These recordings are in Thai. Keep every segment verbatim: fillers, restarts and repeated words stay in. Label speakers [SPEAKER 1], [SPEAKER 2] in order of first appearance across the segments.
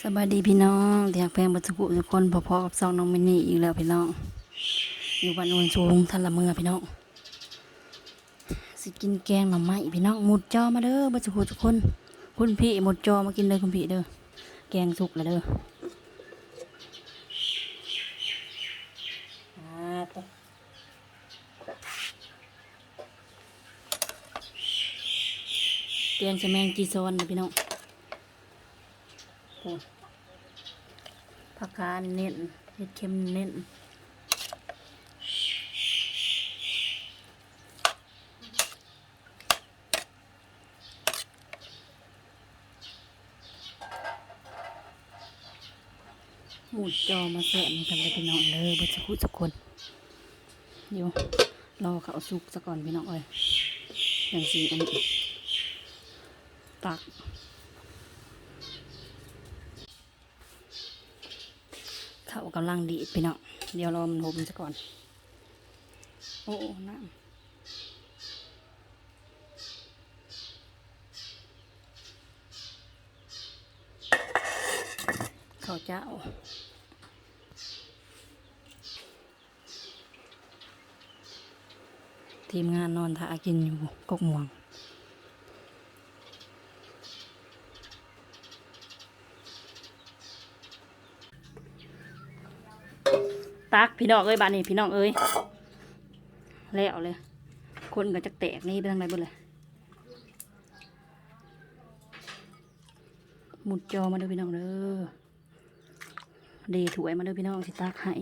[SPEAKER 1] สบายดีพี่น้องอยากแพงบัตรกุทุกคนพอๆกับซองน้องมินนี่อีกแล้วพี่น้องอยู่บ้านโนนสูงทันละเมือพี่น้องสิกินแกงหน่อไม้พี่น้องหมุดจอมาเด้อบัตรกุทุกคนคุณพี่หมุดจอมากินเลยคุณพี่เด้อแกงสุกแล้วเด้อแกงชะแมงจีซอนนะพี่น้องผักกาดเน้นเห็ดเค็มเน้นหมูจอมาแสะกันเลยพี่น้องเลยบัสกุสักคนเดี๋ยวรอเขาสุกซะก่อนพี่น้องเอ้ยอย่างสีอันนี้ตักเขากำลังดีพี่น้องเดี๋ยวรอมันหุบซะก่อนโอ้น้ำข้าวเจ้าทีมงานนอนถ่ากินอยู่กกม่วงตักพี่น้องเอ้ยบ้านนี้พี่น้องเอ้ยแล้วเลยคนก็จะแตกนี่ไปทางไหนบ้างเลยหมุดจอมาเด้อพี่น้องเด้อเดถวยมาเด้อพี่น้องสิตักให้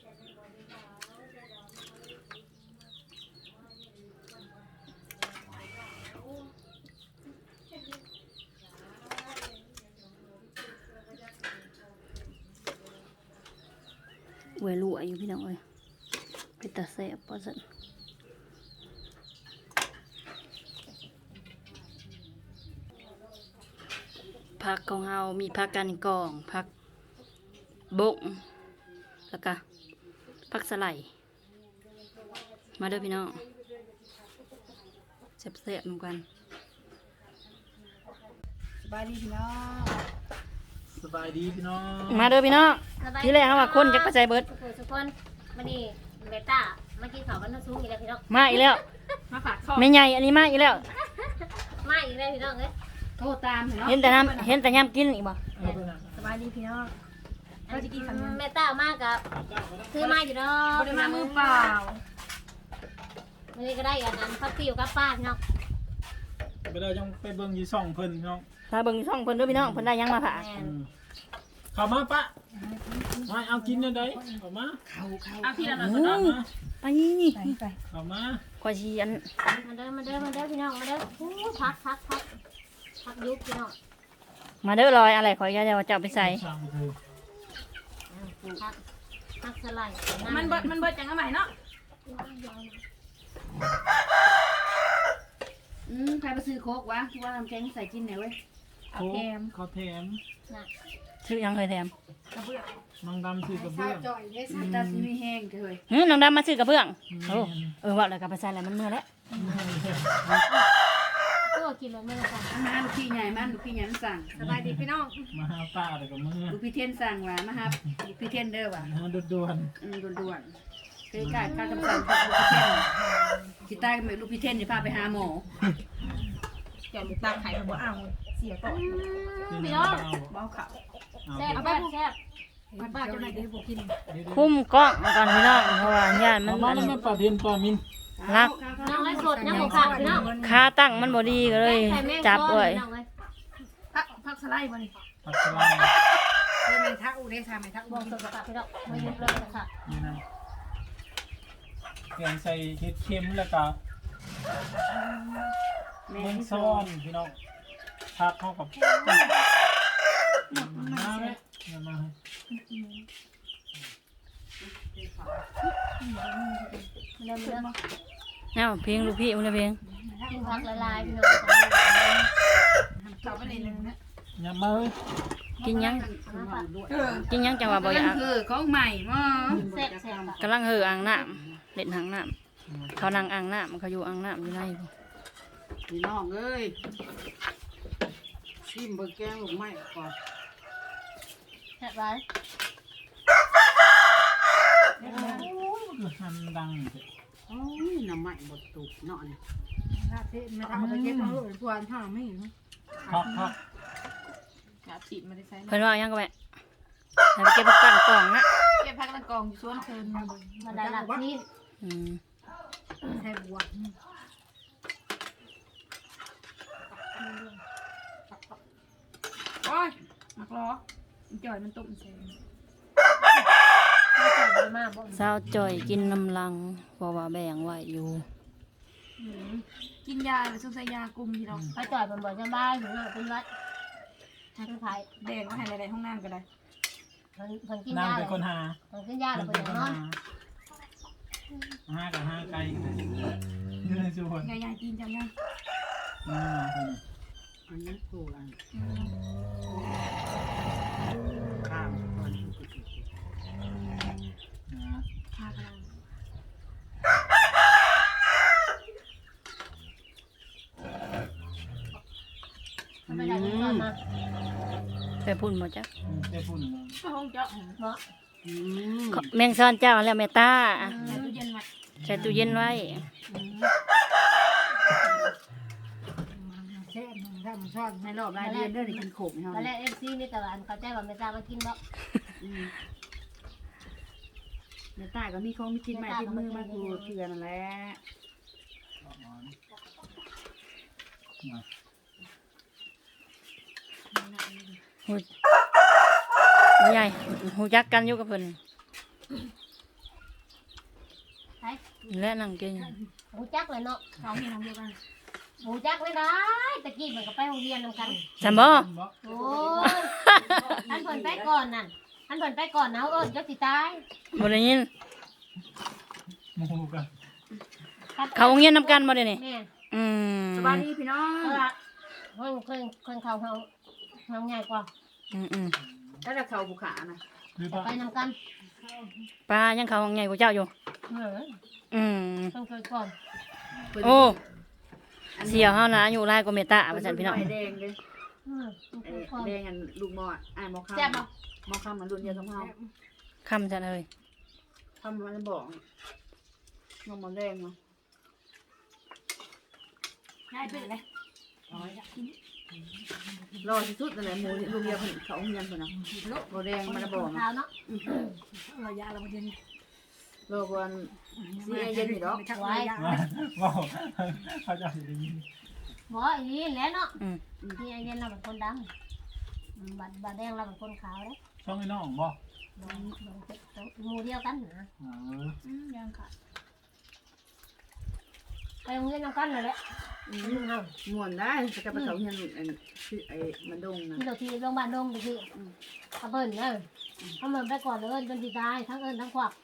[SPEAKER 1] เวลุอายุพี่น้องเอ้ยไปตาแสบปะสันผักของเฮามีผักกันกองผักบกแล้วก็ผักสไลด์มาเด้อพี่น้องแซ่บๆเหมือนกัน
[SPEAKER 2] สบายดีพี่น้องสบายดีพี่น้อง
[SPEAKER 1] มาเด้อพี่น้องที่แรกเขาว่าคนจะกระจายเบิด
[SPEAKER 3] ทุกคนมานี่เบต้ามากินข้าวกันน้ำซุปอีกแล้วพี่น้อง
[SPEAKER 1] มาอีกแล้ว
[SPEAKER 3] มาฝากข้อ
[SPEAKER 1] ไม่ใหญ่อันนี้มาอีกแล้ว
[SPEAKER 3] มาอีกแล้วพี่น้องเอ้ยโทรตามพี่น้อง
[SPEAKER 1] เห็นแต่น้ำเห็นแต่ย่ำกินอีกบ่
[SPEAKER 3] สบายดีพี่น้องเราจะกินข้าวแม่ต้ามากกับซื้อมาอยู่เนาะ
[SPEAKER 2] ไม่ได้มามือเปล่า
[SPEAKER 3] ไม่ได้ก็ได้กันนั้นพักติวกับป้าพี่น้อง
[SPEAKER 2] ไปได้ยังไปเบิ่งยี่ส่องเพิ่นพี่น้อง
[SPEAKER 1] ถ้าเบิ่งช่องเพิ่นด้วยพี่น้องเพิ่นได้ยังมาผ่า
[SPEAKER 2] เข้ามาปะมาเอากินได้เข้ามาเข้าเข้าเอาที่ละหน่อยก่อนนะ
[SPEAKER 1] ไปนี่นี่
[SPEAKER 2] เข้ามา
[SPEAKER 1] ขอชีอัน
[SPEAKER 3] มาเด้อมาเด้อมาเด้อพี่น้องมาเด้อพักพักพักพักยุบพี่น้อง
[SPEAKER 1] มาเด้อลอยอะไรขอจะจะเอาไปใส่
[SPEAKER 3] พักพักสไลด์
[SPEAKER 4] มันเบิดมันเบิดจังเอาใหม่เนาะ
[SPEAKER 1] อืมใครไปซื้อโค้กวะที่ว่าทำแกงใส่กินเนี่ยเว้ย
[SPEAKER 2] เอาแถมเขาแถม
[SPEAKER 1] ชื่อยังเคยแถม
[SPEAKER 4] กระเบื้อง
[SPEAKER 2] น้องดำซื้อกระเบื้อง
[SPEAKER 4] จ่อยได้สัตว์ตาสีแห้งเลย
[SPEAKER 1] เฮ้ยน้องดำมาซื้อกระเบื้องโอ้เออว่าอะไรกับไปใส่อะไรมันเมื่อแล้ว
[SPEAKER 3] ก็กินแล้วเมื่อค่ะ
[SPEAKER 4] มาลูกพี่ใหญ่มาลูกพี่ใหญ่สั่งสบายดีพี่น้อง
[SPEAKER 2] มาหาป้าอะไรกับมือ
[SPEAKER 4] ลูกพี่เทียนสั่งว่ามาครับลูกพี่เทียนเด้อว่ะ
[SPEAKER 2] ด่วน
[SPEAKER 4] ๆอืมด่วนๆเคยการการคำสั่งของลูกพี่เทียนสิตายกับลูกพี่เทียนนี่พาไปหาหมอ
[SPEAKER 3] เดี๋ยวลูกตาไข่มาบ่เอาเสียก่อน
[SPEAKER 2] พี่น้อง
[SPEAKER 4] เบาเขา
[SPEAKER 3] แซ่บแซ่บแซ่บ
[SPEAKER 4] มันป้าจะไหนได้บอกกิน
[SPEAKER 1] คุ้มกล้องก่อนพี่น้องเพราะว่าญาติมัน
[SPEAKER 2] มาแล้วแม่ปลาเทียนปลามิน
[SPEAKER 1] รัก
[SPEAKER 3] น้องไอ้สดน้ำหมูขาดพี่น้อง
[SPEAKER 1] ค่าตั้งมันบ่ดีก็เลยจับไว้
[SPEAKER 4] พักพักสไลด์มาดิ
[SPEAKER 2] ผักสลัด
[SPEAKER 4] ไม่ไม่ทักอูได้ทำไม่ทัก
[SPEAKER 3] บองสดกับพี่น้องไม่ยุบเลยนะคะ
[SPEAKER 2] นี่นะเตรียมใส่เห็ดเค็มแล้วก็แมงซ้อนพี่น้องผักเข้ากับมาไหมมา
[SPEAKER 3] เริ่มเริ่ม
[SPEAKER 1] เอ้าเพลงลูกพี่มันเพลง
[SPEAKER 3] กินผักละลายพี่น้อง
[SPEAKER 4] เขาไปในนึงนะ
[SPEAKER 2] อย่ามาเลย
[SPEAKER 1] กินยังกินยังจังหวะบ่อยาก
[SPEAKER 4] คือของใหม่มั้ง
[SPEAKER 3] แซ่บแซ่บ
[SPEAKER 1] กำลังเหืออ่างน้ำเล่นอ่างน้ำเขานั่งอ่างน้ำเขาอยู่อ่างน้ำอยู่ใน
[SPEAKER 4] พี่น้องเอ้ยชิมเบอร์แกงหรือไม่ก่อน
[SPEAKER 3] แค่ไร
[SPEAKER 2] โอ้ยคือทำดังเถอะ
[SPEAKER 4] โอ้ยน้ำใหม่บดตุกเนาะนี่
[SPEAKER 5] ถ้าเทไม่ทำไปเก็บเอาลูกทวนห้าไม่เห็น
[SPEAKER 2] ครับครับ
[SPEAKER 5] กาบฉีดไม่ได้ใช้
[SPEAKER 1] เพิ่นว่ายังก็แม่ให้ไปเก็บผักกันกล่องนะ
[SPEAKER 5] เก็บพักตะกองอยู่สวนเคิน
[SPEAKER 3] มาได้หลักที่
[SPEAKER 1] อืม
[SPEAKER 5] ใช้บัว โอ้ยมักล้อจ่อยมันตุ่มเซน
[SPEAKER 3] ไม่ใช่มากบ่
[SPEAKER 1] สาวจ่อยกินน้ำลังเพราะว่าแบ่งไว้อยู่
[SPEAKER 5] กินยาหรือซุปใส่ยากลุ่มที่เรา
[SPEAKER 3] ไปจ่อยมันบ่สบายถึงหน้าเป็นวัดทางไทย
[SPEAKER 5] แดงก็ให้ในห้องน้ำก็ได้
[SPEAKER 3] มันมันกิน
[SPEAKER 2] นาง
[SPEAKER 3] ยา
[SPEAKER 2] เป็นคนหา
[SPEAKER 3] มันกินยา
[SPEAKER 2] เป็
[SPEAKER 3] แล้ว
[SPEAKER 2] น
[SPEAKER 3] ก็
[SPEAKER 2] คน
[SPEAKER 3] อย่างนอ
[SPEAKER 2] หาน ห้ากับห้าไกลกันเลยอยู่ในส่วน
[SPEAKER 5] ยายยายกินจังยัง
[SPEAKER 2] นี่มาคนนี้
[SPEAKER 4] อันนั้นกูอันข้ามก่อน
[SPEAKER 2] นะ
[SPEAKER 5] พาพลัง
[SPEAKER 3] มันไม่ได้กินก่อนมา
[SPEAKER 1] ไปพุ่นหมดจ้ะ
[SPEAKER 2] อืมเจ้าพุ่นเลย
[SPEAKER 5] ก็ห้องเจาะ
[SPEAKER 3] เนาะ
[SPEAKER 4] อืม
[SPEAKER 1] ขอแมงซ่อนเจ้าแล้วแม่ตา
[SPEAKER 5] ใส่ตู้เย็นไว้
[SPEAKER 1] ใส่ตู้เย็นไว้
[SPEAKER 5] เช่นถ้ามันซ่อน
[SPEAKER 4] ในรอบรายเดือนเด้อได้กินขมเฮา
[SPEAKER 3] ตอนแรกเอฟซีนี่แต่ว่าเขาใจว่าไม่ทราบว่ากินบ่
[SPEAKER 4] อืมในใต้ก็มีของมีกินใหม่ติดมือมากูเถื่อนั่นแหละ
[SPEAKER 2] มา
[SPEAKER 1] หูหูใหญ่หูจักกันอยู่กับเพิ่น
[SPEAKER 3] ใช่
[SPEAKER 1] และนั่งกิน
[SPEAKER 3] หูจักเลยเนาะ
[SPEAKER 5] เขาเห็นทำเดียวกัน
[SPEAKER 3] หูจักไม่ได้ตะกี้มันก็ไปโรงเรียนนำกัน
[SPEAKER 1] จำบ่
[SPEAKER 3] โอ้ยท่านเพิ่นไปก่อนนั่นท่านเพิ่นไปก่อนนะเอิ้นจักสิตาย
[SPEAKER 1] บ่ได้ยิน
[SPEAKER 2] โมโหกัน
[SPEAKER 1] เขาโรงเรียนนำกันบ่ได้นี่
[SPEAKER 3] แม่
[SPEAKER 1] อืม
[SPEAKER 4] สบายดีพี่น้อง
[SPEAKER 3] เออเพิ่นเพิ่นเพิ่นเขาเฮาเฮาใหญ่กว่า
[SPEAKER 1] อืมอืม
[SPEAKER 4] ถ้าจะเข้าภูขานะ
[SPEAKER 2] หรือ
[SPEAKER 3] ไป
[SPEAKER 2] ปะ
[SPEAKER 3] นำกัน
[SPEAKER 1] ป้ายังเขาใหญ่กว่าเจ้าอยู่
[SPEAKER 3] เออ
[SPEAKER 1] อืม
[SPEAKER 3] เพิ่นเคยก่อน
[SPEAKER 1] โอ้เสี่ยวเฮานะอยู่หลายกว่าเมตาว่าซั่นพี่น้อง
[SPEAKER 4] ไฟแดงเลย
[SPEAKER 3] อืมเพิ่นเค
[SPEAKER 4] ไอ้
[SPEAKER 3] ยก่อน
[SPEAKER 4] แดงอันลูกหมอดอ้ายหมอข้าม
[SPEAKER 3] แซ่บบ่
[SPEAKER 4] หมอข้ามมันรุ่นเดียวกับเฮา
[SPEAKER 1] คำซั่นเอ้ย
[SPEAKER 4] ทำมันบอกน้องหมอแดงเนาะ
[SPEAKER 5] ได้เป็นเลย
[SPEAKER 4] รอที่สุดนั่นแหละหมูลูกเดียวเพิ่นเขาเงียนเพิ่นน่ะหมอแดงมันบอก
[SPEAKER 3] เท้าเนาะ
[SPEAKER 5] เรายาเราเย็น
[SPEAKER 4] รอก่อนสิให้เย็นนี่ดอก
[SPEAKER 5] ไม่ทักไว้ยา
[SPEAKER 2] ว่าว่าเขาจะสิได้ยิน
[SPEAKER 3] บ่อีนี่แหละเนาะ
[SPEAKER 1] อืม
[SPEAKER 3] นี่ไอ้เย็นเราเป็นคนดำอืมบัดบัดแดงเราเป็นคนขาวเด้
[SPEAKER 2] ช่องไอ้น้องบ่
[SPEAKER 3] หมู่เดียวกันนะ
[SPEAKER 2] เออ
[SPEAKER 5] ยังค่ะ
[SPEAKER 3] ไปโรงเรียนนำกันนั่นแหละอืมเฮา
[SPEAKER 4] ม่วนได้จะกลับไปเขาเงียนอันคือไอ้มันดงนะ
[SPEAKER 3] ที่เราที่โรงพยาบาลดงตะกี้เขาเบิ่นเด้อเขาเบิ่นไปก่อนเลยจนสิตายทั้งเอิ้นทั้งควัก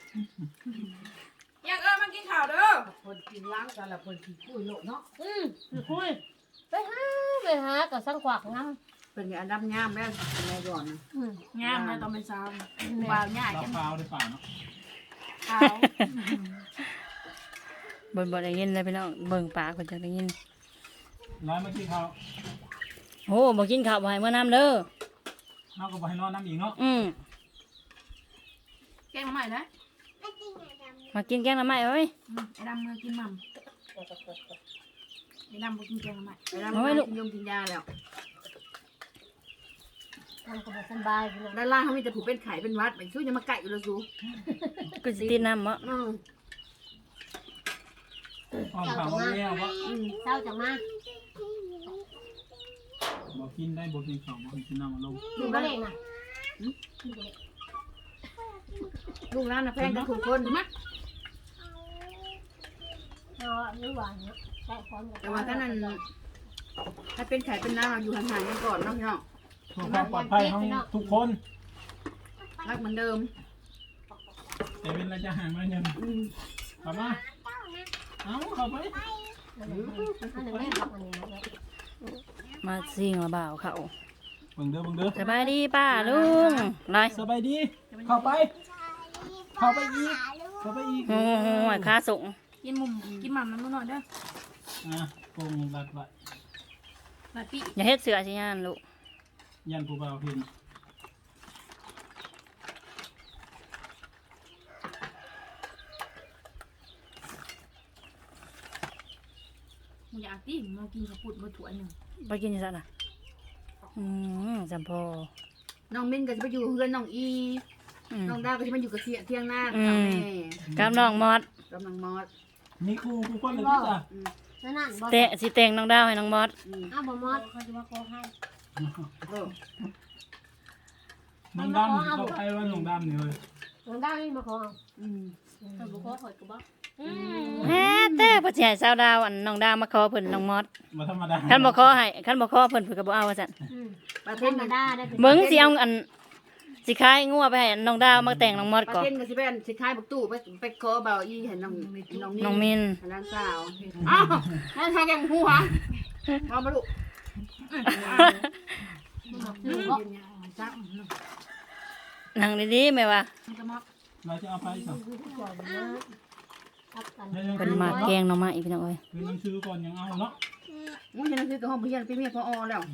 [SPEAKER 5] ยังเออมากินข้าวเด้อ
[SPEAKER 4] คนกินล้างกันละคนกินคุยโลเนาะ
[SPEAKER 3] อืมไปคุยไปหาไปหากับสังควักนำ
[SPEAKER 4] เป็นอันดับงามแล้วในก่อนนะ
[SPEAKER 3] อืม
[SPEAKER 5] งามเลยตอนเป็นสาวบ่าวง่าย
[SPEAKER 2] เรา
[SPEAKER 5] กัน
[SPEAKER 2] พาวได้ป่าเนาะ
[SPEAKER 5] ขาว
[SPEAKER 1] บ่บ่ได้ยินเลยพี่น้องเบิ่งปากเพิ่นจังได้ยิน
[SPEAKER 2] ร้อยเมื่อกี้เขา
[SPEAKER 1] โอ้บ่กินข้าวบ่ให้มื้อน้ำเด้อ
[SPEAKER 2] เขาก็บ่ให้นอนน้ำอีกเนาะ
[SPEAKER 1] อืม
[SPEAKER 5] แกงมาใหม่นะ
[SPEAKER 1] มากินแกงหน่อไม้เอ้ย
[SPEAKER 5] ไอ้ดำมือกินมั่มไอ้ดำบ่กินแกงมาใหม่
[SPEAKER 4] เวลามันกินยมกินยาแล้ว
[SPEAKER 3] มันก็บ่สบายพี่น้อง
[SPEAKER 4] ด้านล่างเขามีแต่ผูเป็นไข่เป็นวัดเป็นช่วยจะมาไก่อยู่แล้วซู
[SPEAKER 1] ก็สิติดน้ำบ่
[SPEAKER 4] อืม
[SPEAKER 2] อ้อมเขาเรียกว่า
[SPEAKER 3] อืมเช้าจังมา
[SPEAKER 2] บ่กินได้บ่กินข้าวบ่กินน้ำมาลง
[SPEAKER 3] ดูบ่เล่นน่ะ
[SPEAKER 4] ลูกร้านนะแพงกันทุกคนถูกไหม
[SPEAKER 3] เอาหรือว่าเนาะใช้ความ
[SPEAKER 4] แต่ว่าถ้านั้นถ้าเป็นไข่เป็นน้ำอยู่ห่างๆกันก่อนเนาะพี่น้อง
[SPEAKER 2] เพื่อความปลอดภัยของทุกคน
[SPEAKER 4] รักเหมือนเดิม
[SPEAKER 2] แต่เป็นระยะห่างมาหนึ่ง
[SPEAKER 4] อืม
[SPEAKER 2] เข้ามาเอาเข้าไป
[SPEAKER 3] อันนี้อันนี้แม่บอกอันนี้นะ
[SPEAKER 1] มาซิ่งละบ่าวเขา
[SPEAKER 2] เบิ่งเด้อเบิ่งเด้อ
[SPEAKER 1] สบายดีป้าลุงไร
[SPEAKER 2] สบายดี เข้าไป เข้าไปอีก เข้าไปอีก
[SPEAKER 1] โอ้โหค่าส่ง
[SPEAKER 5] กินมุมกินมั่มน้ำหน่อยเด้อ
[SPEAKER 2] อ่ะโกงรัดไว้
[SPEAKER 5] มาปี
[SPEAKER 1] อย่าเฮ็ดเสือสิยานลูก
[SPEAKER 2] ยันผู้บ่าวเห็น
[SPEAKER 5] มึงอยากตีมึงมากินข้าวปุ้นมาถ้วยหนึ่ง
[SPEAKER 1] ไปกินยังไงน่ะอืมจำพอ
[SPEAKER 4] น้องมิ้นก็จะไปอยู่เพื่อนน้องอี
[SPEAKER 1] อืม
[SPEAKER 4] น้องดาวก็จะมาอยู่กับเสียเที่ยงหน้า
[SPEAKER 1] อื
[SPEAKER 4] กับ
[SPEAKER 1] ม
[SPEAKER 4] แม่
[SPEAKER 1] กับน้องมอด
[SPEAKER 4] กำลังมอด
[SPEAKER 2] มีครูครูคนเลยที่จ้ะ
[SPEAKER 3] นั่นนั่นบ่
[SPEAKER 1] เตะสิแต่งน้องดาวให้น้องมอด
[SPEAKER 4] อืม
[SPEAKER 3] อ้าวบ่มอดเขาจะมาโกงให้
[SPEAKER 4] เออ
[SPEAKER 2] น้องดำเขาใครว่าน้องดำเนี่ยเลย
[SPEAKER 3] หลวงดาวนี่มาขอเอา
[SPEAKER 4] อืม
[SPEAKER 5] ถ้าบุกข่อยก็บ่
[SPEAKER 3] อืม
[SPEAKER 1] แฮ่เต้พ่อสิให้สาวดาวอันน้องดาวมาขอเพิ่นน้องมอด
[SPEAKER 2] มาธรรมดา
[SPEAKER 1] คันบ่ขอให้คันบ่ขอเพิ่นเพิ่นก็บ่เอาว่าซั่น
[SPEAKER 3] อืม
[SPEAKER 4] ปลา
[SPEAKER 3] ธ
[SPEAKER 4] เท
[SPEAKER 3] ร
[SPEAKER 4] น
[SPEAKER 3] รม
[SPEAKER 4] กัน
[SPEAKER 3] ดาได้เป็น
[SPEAKER 1] เบิ่งสิเอาอันสิขายงัวไปให้น้องดาวมาแต่งน้องมอด
[SPEAKER 4] ปลา
[SPEAKER 1] ก่อน
[SPEAKER 4] เทนก็สิเป็นสิคายบักตู้ไปไปขอเบาอีเห็นน้องน้อง
[SPEAKER 1] น้องมิน
[SPEAKER 4] ร้านสาวอ้าวนั่นทางแกงหูหะเอามาลูก
[SPEAKER 3] อืมบ่
[SPEAKER 5] จ้า
[SPEAKER 1] นั่งดีๆแม่ว่า
[SPEAKER 5] มันก็มา
[SPEAKER 2] เราจะเอาไปสัก
[SPEAKER 3] ครับกัน
[SPEAKER 1] เพิ่นมาแกงหน่อไม้พี่น้องเอ้ย
[SPEAKER 2] คือน้ำซื้อก่อนยังเอาเนาะ
[SPEAKER 4] มึงเห็นหนังสือกับห้องเรียนพี่เมียพออแล้ว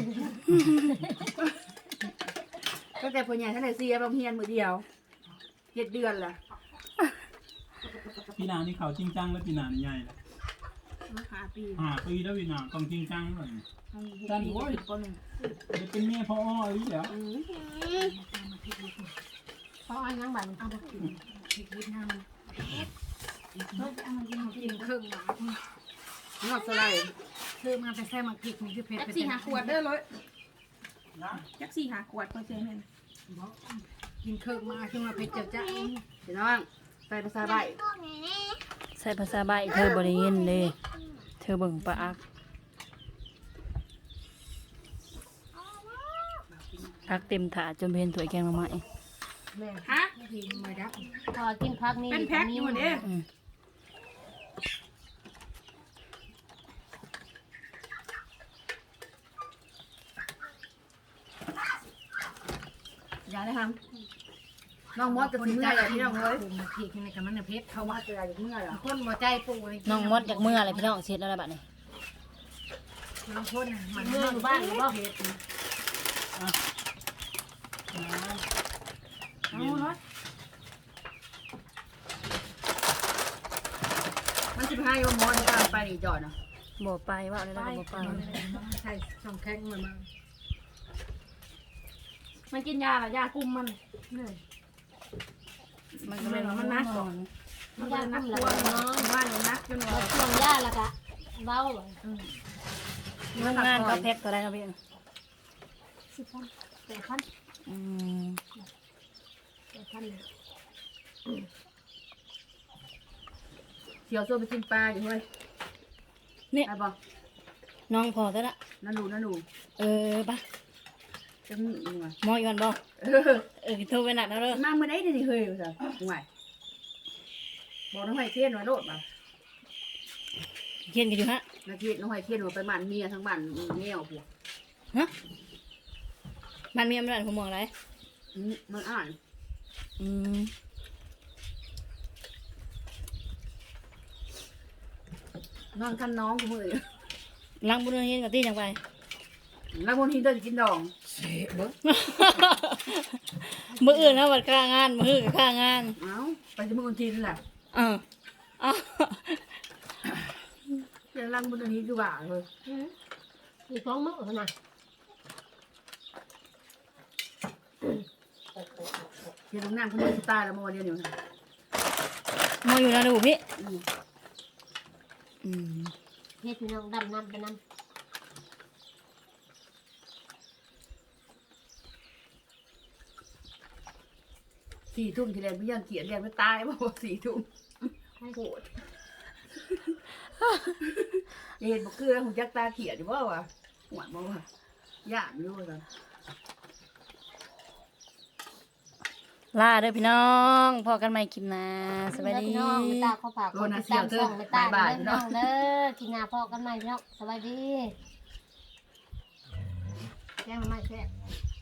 [SPEAKER 4] ก็แต่พ่อใหญ่ท่านไหนเสียบางเฮียนมือเดียวเจ็ดเดือนละ
[SPEAKER 2] ปีนานี่เขาจริงจังแล้วปีนานี่ใหญ่เลย
[SPEAKER 5] มาหาปี
[SPEAKER 2] ห้าปีแล้วปีนาต้องจริงจังเลย
[SPEAKER 5] จันโว้ยก็หนึ่ง
[SPEAKER 2] จะเป็นเมียพ่ออ้อหรือแล้ว
[SPEAKER 3] เพราะอันยังบัด
[SPEAKER 5] เอาไปกินพริกนิดน้ำเฮ้ยเอามากินกินเครื่องหมาก
[SPEAKER 4] นอดสไลด์
[SPEAKER 5] เครื่องมาแต่แซ่มาพริกนี่คือเผ็ดจักสี่หาขวดเด้อเลยจักสี่หาขวดพอเจ๊แม่นกินเครื่องมาขึ้นมาเผ็ดเจ้าจ้า
[SPEAKER 4] พี่น้องใส่ภาษาใบ
[SPEAKER 1] ใส่ภาษาใบเธอบ่ได้ยินเด้เธอเบิ่งปลาอักพักเต็มถาดจนเห็นถ้วยแกงหน่อไม้
[SPEAKER 3] แม่
[SPEAKER 5] ฮะกินมาดับ
[SPEAKER 3] พอกินพักนี่
[SPEAKER 5] เป็นแพ็คอยู่เด้
[SPEAKER 1] อืม
[SPEAKER 4] อย่าได้ทำน้องมอสกับสิเมื่อยอะพี่น้องเอ้ย
[SPEAKER 5] ปรุงมาพริกนี่กับมันน่ะเผ็ดเขา
[SPEAKER 4] เขาว่า
[SPEAKER 5] ว่า
[SPEAKER 4] จะอะไรเมื่อยเหรอ
[SPEAKER 5] คนหัวใจปูเลย
[SPEAKER 1] น้องมดจากเมื่ออะไรพี่น้องเสร็จแล้วล่ะบัดนี้
[SPEAKER 5] น้องคนน่ะมัน
[SPEAKER 3] เมื่ออยู่บ้านหรือบ่
[SPEAKER 5] เผ็ด
[SPEAKER 2] เย็น
[SPEAKER 4] มันจะพายว่ามอสจะไปนี่จอดเนาะ
[SPEAKER 1] บ่ไปว่าอะไรแล้วก็บ่ไป
[SPEAKER 5] ใช่ช่องแข้งมันมามันกินยาหรอยากุมมันเนี่ย
[SPEAKER 1] มันก็เลยมันนักก่อน
[SPEAKER 5] มันก็นักกลัวเนาะว่าเนี่ยนักจนว่า
[SPEAKER 3] ช่วงย่าแล้วก็เว้าเลย
[SPEAKER 1] เรื่องงานก็แพ็คตัวได้ครับพี่
[SPEAKER 3] สิบพันแปดพัน
[SPEAKER 1] อืม
[SPEAKER 3] แปดพันเลย
[SPEAKER 4] เที่ยวโซ่ไปกินปลาอยู่เฮ้ย
[SPEAKER 1] เนี่ย
[SPEAKER 4] ไปบ่
[SPEAKER 1] น้องพอซะละ
[SPEAKER 4] นั่นดูนั่นดู
[SPEAKER 1] เออปะ
[SPEAKER 4] จะมีอีกว่ะ
[SPEAKER 1] หมออยู่กันบ่
[SPEAKER 4] เออ
[SPEAKER 1] เออโทรไปนัดแล้วเด้อ
[SPEAKER 4] มาเมื่อไหร่นี่เฮ้ยจ้ะห่วยบอกน้องไห้เทียนไว้โลดบ่
[SPEAKER 1] เขียนกันอยู่ฮะ
[SPEAKER 4] นาทีน้องไห้เทียนว่าไปบ้านเมียทั้งบ้านเมียผัว
[SPEAKER 1] ฮะมันมีอำนาจผมมองอะไร
[SPEAKER 4] อืมมันอ่าน
[SPEAKER 1] อืม
[SPEAKER 4] นอนคันน้องกูมือ
[SPEAKER 1] ล้างบุญเฮียนกับตี้จังไป
[SPEAKER 4] แล้วคนที่เดินกินดอง
[SPEAKER 1] มื้ออื่นนะวัดค่างานมื้ออื่นก็ค่างาน
[SPEAKER 4] เอ้าไปจะมือคนที่นั่นแหละ
[SPEAKER 1] เออเอ้า
[SPEAKER 4] เรื่องรังบนนี้คือว่าเลย
[SPEAKER 3] อีกสองมื้อนะ
[SPEAKER 4] เดี๋ยวนั่งคนเดียวตายแล้วมาวันเดียวอยู่นะ
[SPEAKER 1] หมออยู่นะดูพี่
[SPEAKER 4] อืม
[SPEAKER 1] อืม
[SPEAKER 3] เฮ็ดพี่น้องดำน้ำไปน้ำ
[SPEAKER 4] สี่ทุ่มทีแรกไม่ยังเขียนแรงไม่ตายบอกสี่ทุ่มโหดอย่าเห็นบอกคือแล้วผมจักตาเขียนอยู่ว่าวะหวานบ่วะย่านอยู่ว่า
[SPEAKER 1] ลาเด้อพี่น้องพอกันใหม่คลิปหน้าสวัสดี
[SPEAKER 3] พี่น้องไม่ตาเขาฝากคนติดตามช่องไม่ตาเด้อพี่น้องเด้อกินงาพ่อกันใหม่พี่น้องสวัสดีแจ้งมาใหม่แซ่บ